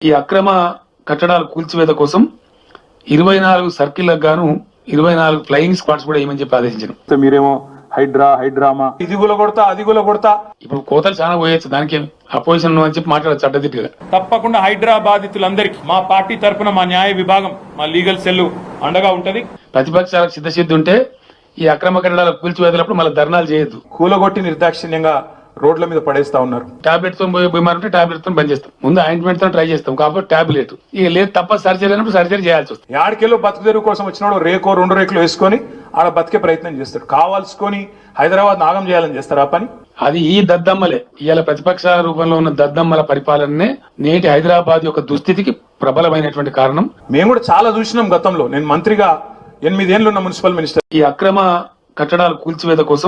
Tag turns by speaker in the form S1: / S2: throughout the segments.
S1: ఈ అక్రమ కట్టడాల కూల్చివేత కోసం 24 సర్కిళ్లకు గాను 24 ఫ్లయింగ్ స్క్వాడ్స్ కూడా ఏమని చెప్పి ఆదేశించారు.
S2: మీరేమో హైడ్రామా ఇది కొడతా అది కొడతా
S1: ఇప్పుడు కోతలు చాలా పోయొచ్చు, దానికి అపోజిషన్ అని చెప్పి మాట్లాడచ్చు అడ్డదిట్టుగా.
S3: తప్పకుండా హైడ్రా బాధితులందరికీ మా పార్టీ తరఫున మా న్యాయ విభాగం మా లీగల్ సెల్ అండగా ఉంటది.
S1: ప్రతిపక్షాలకు సిద్ధసిద్ధి ఉంటే ఈ అక్రమ కట్టడాల కూల్చివేతలప్పుడు మళ్ళీ ధర్నాలు చేయొద్దు.
S2: కూలగొట్టి నిర్దాక్షిణ్యంగా రోడ్ల మీద పడేస్తా ఉన్నారు.
S1: టాబ్లెట్ తో పోయే బీమారు ఉంటే టాబ్లెట్ తో బంద్ చేస్తాం, ముందు ఆయింట్మెంట్ తో ట్రై చేస్తాం. కాబట్టి టాబ్లెట్ ఇక లేదు తప్ప సర్జరీ అయినప్పుడు సర్జరీ చేయాల్సి వస్తుంది.
S2: యాడికెళ్ళో బతుకుదెరువు కోసం వచ్చినాడు రేకో 2 రేకులు వేసుకొని ఆడ బతికే ప్రయత్నం చేస్తాడు. కావాల్సుకొని హైదరాబాద్ నాగం చేయాలని చేస్తారు ఆ పని.
S1: అది ఈ దద్దమ్మలే ఇవాళ ప్రతిపక్షాల రూపంలో ఉన్న దద్దమ్మల పరిపాలననే నేటి హైదరాబాద్ యొక్క దుస్థితికి ప్రబలమైనటువంటి కారణం.
S2: మేము కూడా చాలా చూసినాం గతంలో. నేను మంత్రిగా 8 ఏళ్ళు ఉన్న మున్సిపల్ మినిస్టర్.
S1: ఈ అక్రమ కట్టడాల కూల్చివేత కోసం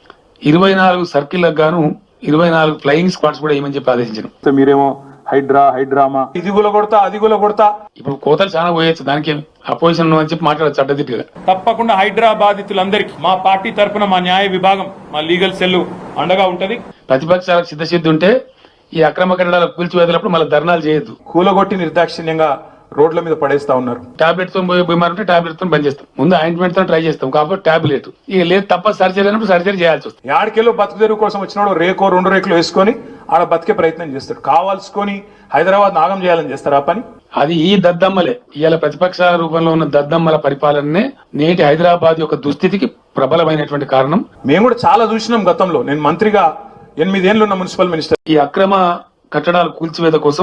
S1: 24 సర్కిళ్లకు గాను 24 ఫ్లయింగ్ స్క్వాడ్స్ కూడా ఏమని చెప్పి ఆదేశించారు.
S2: మీరేమో హైడ్రామా ఇది కొడతా అది కొడతా
S1: ఇప్పుడు కోతలు చాలా పోయొచ్చు, దానికి అపోజిషన్ అని చెప్పి మాట్లాడచ్చు అడ్డదిట్టుగా.
S3: తప్పకుండా హైడ్రా బాధితులందరికీ మా పార్టీ తరఫున మా న్యాయ విభాగం మా లీగల్ సెల్ అండగా ఉంటది.
S1: ప్రతిపక్షాలకు సిద్ధసిద్ధి ఉంటే ఈ అక్రమ కట్టడాల కూల్చివేతలప్పుడు మళ్ళీ ధర్నాలు చేయొద్దు.
S2: కూలగొట్టి నిర్దాక్షిణ్యంగా రోడ్ల మీద పడేస్తా ఉన్నారు.
S1: టాబ్లెట్ తో పోయే బీమారు ఉంటే టాబ్లెట్ తో బంద్ చేస్తాం, ముందు ఆయింట్మెంట్ తో ట్రై చేస్తాం. కాబట్టి టాబ్లెట్ ఇక లేదు తప్ప సర్జరీ అయినప్పుడు సర్జరీ చేయాల్సి వస్తుంది.
S2: యాడికెళ్ళో బతుకుదెరువు కోసం వచ్చినాడు రేకో 2 రేకులు వేసుకొని ఆడ బతికే ప్రయత్నం చేస్తాడు. కావాల్సుకొని హైదరాబాద్ నాగం చేయాలని చేస్తారు ఆ పని.
S1: అది ఈ దద్దమ్మలే ఇవాళ ప్రతిపక్షాల రూపంలో ఉన్న దద్దమ్మల పరిపాలననే నేటి హైదరాబాద్ యొక్క దుస్థితికి ప్రబలమైనటువంటి కారణం.
S2: మేము కూడా చాలా చూసినాం గతంలో. నేను మంత్రిగా 8 ఏళ్ళు ఉన్న మున్సిపల్ మినిస్టర్.
S1: ఈ అక్రమ కట్టడాల కూల్చివేత కోసం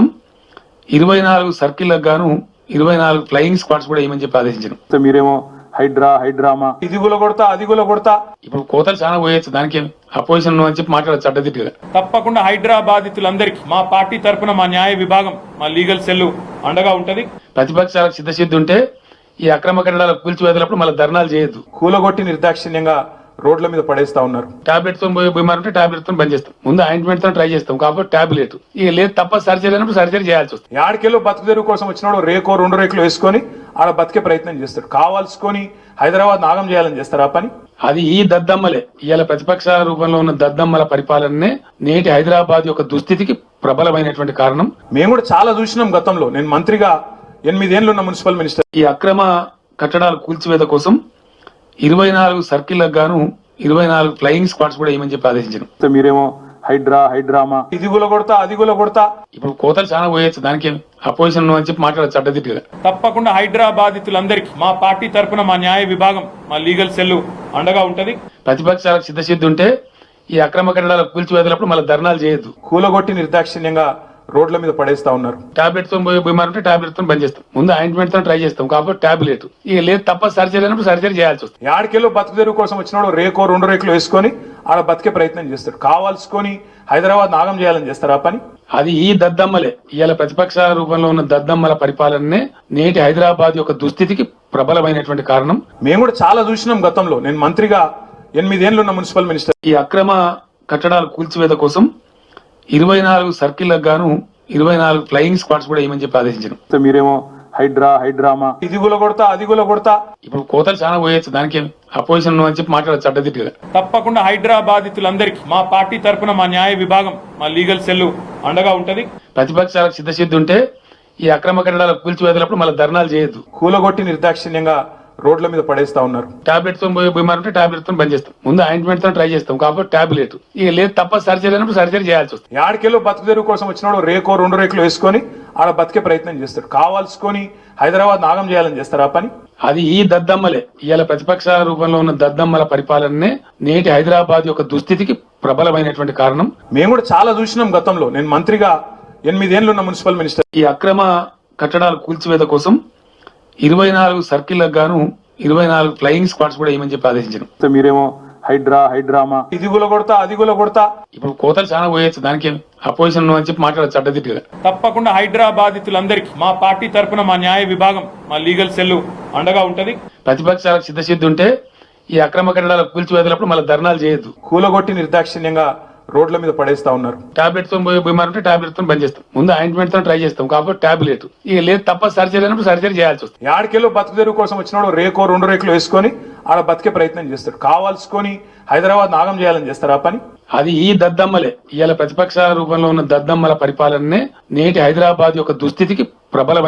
S1: 24 సర్కిళ్లకు గాను 24 ఫ్లయింగ్ స్క్వాడ్స్ కూడా ఏమని చెప్పి ఆదేశించారు.
S2: మీరేమో హైడ్రామా ఇది కొడతా అది కొడతా
S1: ఇప్పుడు కోతలు చాలా పోయొచ్చు, దానికి అపోజిషన్ అని చెప్పి మాట్లాడచ్చు అడ్డదిట్టుగా.
S3: తప్పకుండా హైడ్రా బాధితులందరికీ మా పార్టీ తరఫున మా న్యాయ విభాగం మా లీగల్ సెల్ అండగా ఉంటది.
S1: ప్రతిపక్షాలకు సిద్ధసిద్ధి ఉంటే ఈ అక్రమ కట్టడాల కూల్చివేతలప్పుడు మళ్ళీ ధర్నాలు చేయొద్దు.
S2: కూలగొట్టి నిర్దాక్షిణ్యంగా రోడ్ల మీద పడేస్తా ఉన్నారు.
S1: టాబ్లెట్ తో పోయే బీమారు ఉంటే టాబ్లెట్ తో బంద్ చేస్తాం, ముందు ఆయింట్మెంట్ తో ట్రై చేస్తాం. కాబట్టి టాబ్లెట్ ఇక లేదు తప్ప సర్జరీ అయినప్పుడు సర్జరీ చేయాల్సి వస్తుంది.
S2: యాడికెళ్ళో బతుకుదెరువు కోసం వచ్చినాడు రేకో 2 రేకులు వేసుకొని ఆడ బతికే ప్రయత్నం చేస్తాడు. కావాల్సుకొని హైదరాబాద్ నాగం చేయాలని చేస్తారు ఆ పని.
S1: అది ఈ దద్దమ్మలే ఇవాళ ప్రతిపక్షాల రూపంలో ఉన్న దద్దమ్మల పరిపాలననే నేటి హైదరాబాద్ యొక్క దుస్థితికి ప్రబలమైనటువంటి కారణం.
S2: మేము కూడా చాలా చూసినాం గతంలో. నేను మంత్రిగా 8 ఏళ్ళు ఉన్న మున్సిపల్ మినిస్టర్.
S1: ఈ అక్రమ కట్టడాల కూల్చివేత కోసం 24 సర్కిళ్లకు గాను 24 ఫ్లయింగ్ స్క్వాడ్స్ కూడా ఏమని చెప్పి ఆదేశించారు.
S2: మీరేమో హైడ్రామా ఇది కొడతా అది కొడతా
S1: ఇప్పుడు కోతలు చాలా పోయొచ్చు, దానికి అపోజిషన్ అని చెప్పి మాట్లాడచ్చు అడ్డదిట్టుగా.
S3: తప్పకుండా హైడ్రా బాధితులందరికీ మా పార్టీ తరఫున మా న్యాయ విభాగం మా లీగల్ సెల్ అండగా ఉంటది.
S1: ప్రతిపక్షాలకు సిద్ధసిద్ధి ఉంటే ఈ అక్రమ కట్టడాల కూల్చివేతలప్పుడు మళ్ళీ ధర్నాలు చేయొద్దు.
S2: కూలగొట్టి నిర్దాక్షిణ్యంగా రోడ్ల మీద పడేస్తా ఉన్నారు.
S1: టాబ్లెట్ తో పోయే బీమారు ఉంటే టాబ్లెట్ తో బంద్ చేస్తాం, ముందు ఆయింట్మెంట్ తో ట్రై చేస్తాం. కాబట్టి టాబ్లెట్ ఇక లేదు తప్ప సర్జరీ అయినప్పుడు సర్జరీ చేయాల్సి వస్తుంది.
S2: యాడికెళ్ళో బతుకుదెరువు కోసం వచ్చినాడు రేకో 2 రేకులు వేసుకొని ఆడ బతికే ప్రయత్నం చేస్తాడు. కావాల్సుకొని హైదరాబాద్ నాగం చేయాలని చేస్తారు ఆ పని.
S1: అది ఈ దద్దమ్మలే ఇవాళ ప్రతిపక్షాల రూపంలో ఉన్న దద్దమ్మల పరిపాలననే నేటి హైదరాబాద్ యొక్క దుస్థితికి ప్రబలమైనటువంటి కారణం.
S2: మేము కూడా చాలా చూసినాం గతంలో. నేను మంత్రిగా 8 ఏళ్ళు ఉన్న మున్సిపల్ మినిస్టర్.
S1: ఈ అక్రమ కట్టడాల కూల్చివేత కోసం 24 సర్కిళ్లకు గాను 24 ఫ్లయింగ్ స్క్వాడ్స్ కూడా ఏమని చెప్పి ఆదేశించారు.
S2: మీరేమో హైడ్రామా ఇది కొడతా అది కొడతా
S1: ఇప్పుడు కోతలు చాలా పోయొచ్చు, దానికి అపోజిషన్ అని చెప్పి మాట్లాడచ్చు అడ్డదిట్టుగా.
S3: తప్పకుండా హైడ్రా బాధితులందరికీ మా పార్టీ తరఫున మా న్యాయ విభాగం మా లీగల్ సెల్ అండగా ఉంటది.
S1: ప్రతిపక్షాలకు సిద్ధసిద్ధి ఉంటే ఈ అక్రమ కట్టడాల కూల్చివేతలప్పుడు మళ్ళీ ధర్నాలు చేయొద్దు.
S2: కూలగొట్టి నిర్దాక్షిణ్యంగా రోడ్ల మీద పడేస్తా ఉన్నారు.
S1: టాబ్లెట్ తో పోయే బీమారు ఉంటే టాబ్లెట్ తో బంద్ చేస్తాం, ముందు ఆయింట్మెంట్ తో ట్రై చేస్తాం. కాబట్టి టాబ్లెట్ ఇక లేదు తప్ప సర్జరీ అయినప్పుడు సర్జరీ చేయాల్సి వస్తుంది.
S2: యాడికెళ్ళో బతుకుదెరువు కోసం వచ్చినాడు రేకో 2 రేకులు వేసుకొని ఆడ బతికే ప్రయత్నం చేస్తాడు. కావాల్సుకొని హైదరాబాద్ నాగం చేయాలని చేస్తారు ఆ పని.
S1: అది ఈ దద్దమ్మలే ఇవాళ ప్రతిపక్షాల రూపంలో ఉన్న దద్దమ్మల పరిపాలననే నేటి హైదరాబాద్ యొక్క దుస్థితికి ప్రబలమైనటువంటి కారణం.
S2: మేము కూడా చాలా చూసినాం గతంలో. నేను మంత్రిగా 8 ఏళ్ళు ఉన్న మున్సిపల్ మినిస్టర్.
S1: ఈ అక్రమ కట్టడాల కూల్చివేత కోసం 24 సర్కిళ్లకు గాను 24 ఫ్లయింగ్ స్క్వాడ్స్ కూడా ఏమని చెప్పి ఆదేశించారు.
S2: మీరేమో హైడ్రామా ఇది కొడతా అది కొడతా
S1: ఇప్పుడు కోతలు చాలా పోయొచ్చు, దానికి అపోజిషన్ అని చెప్పి మాట్లాడచ్చు అడ్డదిట్టుగా.
S3: తప్పకుండా హైడ్రా బాధితులందరికీ మా పార్టీ తరఫున మా న్యాయ విభాగం మా లీగల్ సెల్ అండగా ఉంటది.
S1: ప్రతిపక్షాలకు సిద్ధసిద్ధి ఉంటే ఈ అక్రమ కట్టడాల కూల్చివేతలప్పుడు మళ్ళీ ధర్నాలు చేయొద్దు.
S2: కూలగొట్టి నిర్దాక్షిణ్యంగా రోడ్ల మీద పడేస్తా ఉన్నారు.
S1: టాబ్లెట్ తో పోయే బీమారు ఉంటే టాబ్లెట్ తో బంద్ చేస్తాం, ముందు ఆయింట్మెంట్ తో ట్రై చేస్తాం. కాబట్టి టాబ్లెట్ ఇక లేదు తప్ప సర్జరీ అయినప్పుడు సర్జరీ చేయాల్సి వస్తుంది.
S2: యాడికెళ్ళో బతుకుదెరువు కోసం వచ్చినాడు రేకో 2 రేకులు వేసుకొని ఆడ బతికే ప్రయత్నం చేస్తాడు. కావాల్సుకొని హైదరాబాద్ నాగం చేయాలని చేస్తారు ఆ పని.
S1: అది ఈ దద్దమ్మలే ఇవాళ ప్రతిపక్షాల రూపంలో ఉన్న దద్దమ్మల పరిపాలననే నేటి హైదరాబాద్ యొక్క దుస్థితికి ప్రబల